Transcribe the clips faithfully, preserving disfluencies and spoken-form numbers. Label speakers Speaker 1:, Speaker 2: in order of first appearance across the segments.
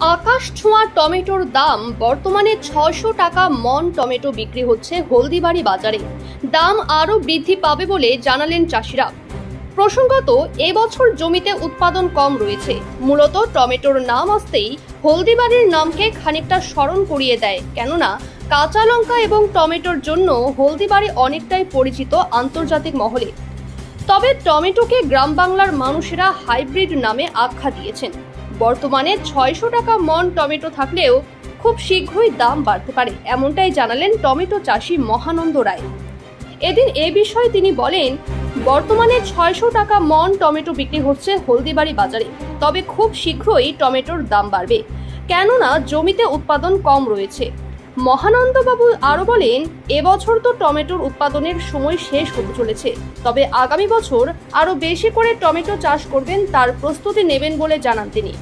Speaker 1: আকাশ ছোঁয়া টমেটোর দাম বর্তমানে ছয়শো টাকা মন টমেটো বিক্রি হচ্ছে হলদিবাড়ি বাজারে। দাম আরও বৃদ্ধি পাবে বলে জানালেন চাষিরা। প্রসঙ্গত, এবছর জমিতে উৎপাদন কম রয়েছে। মূলত টমেটোর নাম আসতেই হলদিবাড়ির নামকে খানিকটা স্মরণ করিয়ে দেয়, কেননা কাঁচা লঙ্কা এবং টমেটোর জন্য হলদিবাড়ি অনেকটাই পরিচিত আন্তর্জাতিক মহলে। তবে টমেটোকে গ্রাম বাংলার মানুষেরা হাইব্রিড নামে আখ্যা দিয়েছেন। বর্তমানে ছয়শো টাকা মন টমেটো থাকলেও খুব শীঘ্রই দাম বাড়তে পারে, এমনটাই জানালেন টমেটো চাষি মহানন্দ রায়। এদিন এ বিষয়ে তিনি বলেন, বর্তমানে ছয়শো টাকা মন টমেটো বিক্রি হচ্ছে হলদিবাড়ি বাজারে, তবে খুব শীঘ্রই টমেটোর দাম বাড়বে, কেননা জমিতে উৎপাদন কম রয়েছে। মহানন্দবাবু আরও বলেন, এবছর তো টমেটোর উৎপাদনের সময় শেষ হতে চলেছে, তবে আগামী বছর আরও বেশি করে টমেটো চাষ করবেন, তার প্রস্তুতি নেবেন বলে জানান তিনি।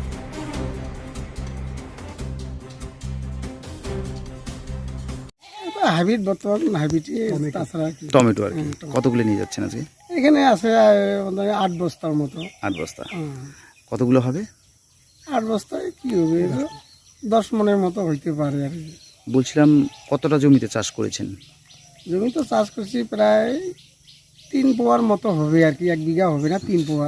Speaker 2: হাইব্রিড বর্তমান হাইব্রিড তাছাড়া
Speaker 3: টমেটো আর কি কতগুলো নিয়ে যাচ্ছেন আজকে?
Speaker 2: এখানে আছে আট বস্তার মতো।
Speaker 3: আট বস্তা কতগুলো হবে?
Speaker 2: আট বস্তায় কি হবে, দশ মনের মতো হইতে পারে আর কি।
Speaker 3: বলছিলাম কতটা জমিতে চাষ করেছেন?
Speaker 2: জমি তো চাষ করছি প্রায় তিন পোয়ার মতো হবে আর কি, এক বিঘা হবে না, তিন পোয়া।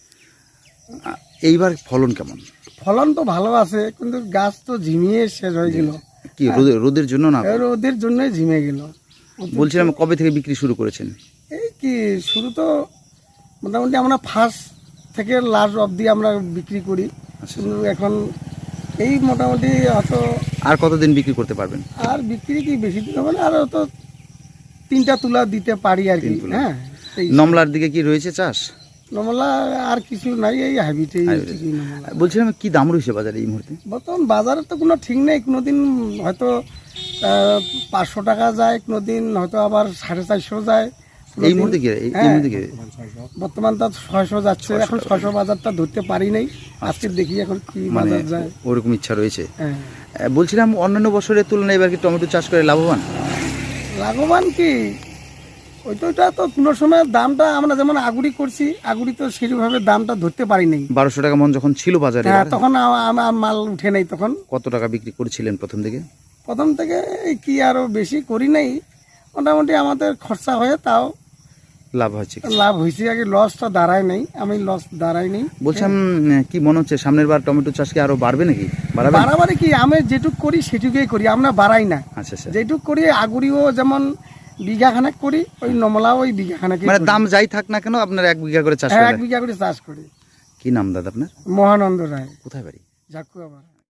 Speaker 3: এইবার ফলন কেমন?
Speaker 2: ফলন তো ভালো আছে, কিন্তু গাছ তো ঝিমিয়ে শেষ হয়ে গেল।
Speaker 3: কি রোদের জন্য না?
Speaker 2: রোদের জন্যই ঝিমে গেল।
Speaker 3: বলছিলাম কবে থেকে বিক্রি শুরু করেছেন?
Speaker 2: এই কি শুরু তো মোটামুটি আমরা ফার্স্ট থেকে লাস্ট অবধি আমরা বিক্রি করি, কিন্তু এখন এই মোটামুটি হয়তো
Speaker 3: আর কতদিন বিক্রি করতে পারবেন?
Speaker 2: আর বিক্রি কি বেশি দিন হবে না, আর তো তিনটা তুলা দিতে পারি আর কি। হ্যাঁ,
Speaker 3: নমলার দিকে কি রয়েছে চাষ?
Speaker 2: নমলা আর কিছু নাই, এই হাইব্রিডেই।
Speaker 3: বলছিলাম কি দাম রয়েছে বাজারে এই মুহূর্তে?
Speaker 2: বর্তমান বাজারে তো কোনো ঠিক নেই, কোনোদিন হয়তো পাঁচশো টাকা যায়, কোনোদিন হয়তো আবার সাড়ে চারশো যায়।
Speaker 3: এই মুহূর্তে কি
Speaker 2: বর্তমান তো ছয়শো যাচ্ছে, এখন ছয়শো বাজারটা ধরতে পারি নাই, আজকে দেখি এখন কি বাজার যায়।
Speaker 3: ওরকম ইচ্ছা রয়েছে। বলছিলাম অন্যান্য বছরের তুলনায় এবার কি টমেটো চাষ করে লাভবান?
Speaker 2: লাভবান কি ওই তো, ওইটা তো কোনো সময় দামটা আমরা যেমন আগুড়ি করছি, আগুড়ি তো সেরকমভাবে দামটা ধরতে পারি নাই।
Speaker 3: বারোশো টাকা মন যখন ছিল বাজারে,
Speaker 2: হ্যাঁ, তখন আমার মাল উঠে নাই। তখন
Speaker 3: কত টাকা বিক্রি করেছিলেন প্রথম থেকে?
Speaker 2: প্রথম থেকে কি আরো বেশি করি নাই, মোটামুটি আমাদের খরচা হয়ে তাও
Speaker 3: লাভ হয়েছে।
Speaker 2: লাভ হয়েছে, আগে লসটা দাঁড়ায় নাই, আমি লস দাঁড়াই নাই।
Speaker 3: বলছিলাম কি মনে হচ্ছে সামনের বার টমেটো চাষ কি আরো বাড়বে নাকি?
Speaker 2: বাড়াবাড়ি কি, আমি যেটুক করি সেটুকুই করি, আমরা বাড়াই না।
Speaker 3: আচ্ছা আচ্ছা,
Speaker 2: যেটুক করি আগুড়িও যেমন বিঘা খানেক করি, ওই নমলাও ওই বিঘা খানেক।
Speaker 3: মানে দাম যাই থাক না কেন আপনার এক বিঘা করে চাষ করেন?
Speaker 2: এক বিঘা করে চাষ করি।
Speaker 3: কি নাম দাদা আপনার?
Speaker 2: মহানন্দ রায়।
Speaker 3: কোথায় বাড়ি?
Speaker 2: ঝাকুয়া।